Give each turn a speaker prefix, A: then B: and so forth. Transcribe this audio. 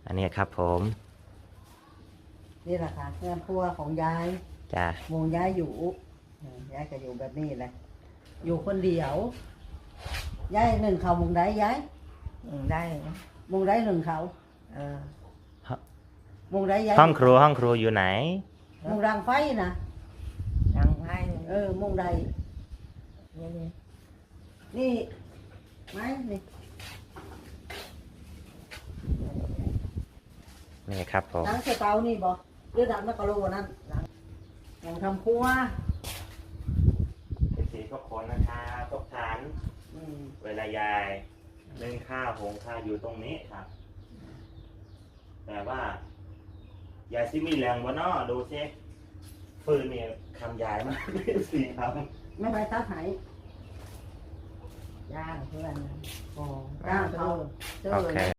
A: อันนี้ครับผม
B: นี่แหละค่ะเพื่อนครัวของยาย
A: จ้ะ
B: วงยายอยู่ยายก็อยู่แบบนี้แหละอยู่คนเดียว ยายหนึ่งเขาวงได้ยาย
C: ได้
B: วงได้หนึ่งเขา
C: เออ
B: วงได้ยาย
A: ห้องครัวอยู่ไหน
B: วงรางไฟนะ
C: ดังให้
B: วงใด
C: นี่นี่
B: นี่ไหมนี่
A: นี่ครับผม
B: หนังเสเตานี่บอกหรือดังนักกะโลนั่นหนังของทำครัว
A: เป็นสีทุกคนนะคะทุกฐาน
B: อืม
A: เวลายายนึ่งข้าวหุงข้าวอยู่ตรงนี้ครับ แต่ว่ายายซิมีแรงวะเนาะดูซิฟืนเนี่ยคำยายมากสี่ค
B: ไม่ไปทักไหน
C: ย่างเพื่อน
B: อ๋อจ้างเขา
A: ำโอเค